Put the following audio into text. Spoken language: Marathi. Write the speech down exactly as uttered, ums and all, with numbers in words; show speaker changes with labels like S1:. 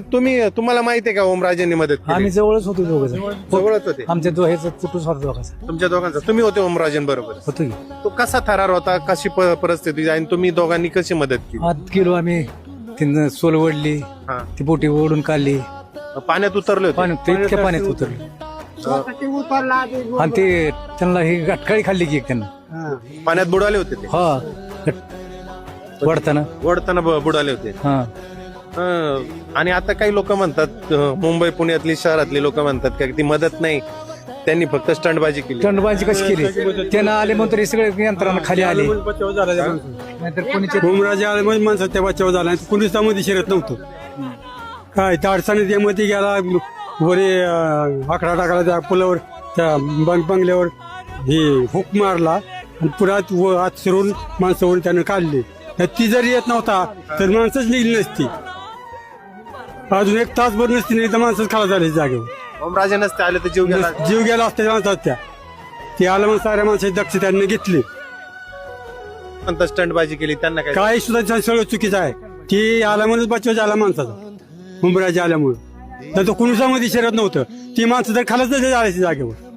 S1: तुम्ही तुम्हाला माहिती आहे का ओमराजेंनी मदत केली?
S2: आम्ही जवळच होतो दोघं
S1: जवळच होते
S2: आमच्या दो ह्याचा कुठून होता दोघांचा
S1: तुमच्या दोघांचा. तुम्ही होते ओमराजेन बरोबर.
S2: होतो की
S1: तो कसा थरार होता, कशी प- परिस्थिती आणि तुम्ही दोघांनी कशी मदत केली?
S2: आत गेलो आम्ही तिथं सोल ओढली
S1: हा.
S2: ती बोटी ओढून काढली
S1: पाण्यात उतरले होते.
S2: पाण्यात ते इतक्या पाण्यात उतरले आणि ते त्यांना ही गाठकाळी खाल्ली की एक त्यांना
S1: पाण्यात बुडाले होते ते.
S2: हा वडताना
S1: ओढताना ब- बुडाले होते.
S2: हा
S1: हं. आणि आता काही लोक म्हणतात, अं, मुंबई पुण्यातली शहरातली लोक म्हणतात का ती मदत नाही, त्यांनी फक्त स्टंटबाजी केली.
S2: दंडबाजी कशी केली त्यांना आले म्हणून तरी सगळे यंत्रणा खाली आले नाहीतर कोणीचे
S3: ओमराजे आले म्हणजे माणसं त्या बचाव झाला कुणीच त्यामध्ये शिरत नव्हतं. काय त्या अडचणीत मध्ये गेला वरे अं, आकडा टाकला त्या पुलावर त्या बंग बंगल्यावर हे हुक मारला आणि पुरात व आत शिरून माणसावर त्यानं काढली. तर ती जरी येत नव्हता तर माणसंच निघली नसती. अजून एक तासभर नसती नाही तर माणसंच खाला झाली जागेवर.
S1: ओमराजे नसते आले तर जीव गेला.
S3: जीव गेला असता त्या माणसात त्या ती आलं मग साऱ्या माणसाची दक्ष त्यांनी घेतली.
S1: म्हणतात स्टंटबाजी केली, त्यांना काय?
S3: काय सुद्धा त्या सगळं चुकीचं आहे. ती आल्यामुळेच बचाव झाला माणसाचा, उमराजे आल्यामुळे. तर तो कुणसामध्ये शिरत नव्हतं. ती माणसं तर खालच जायची जागेवर.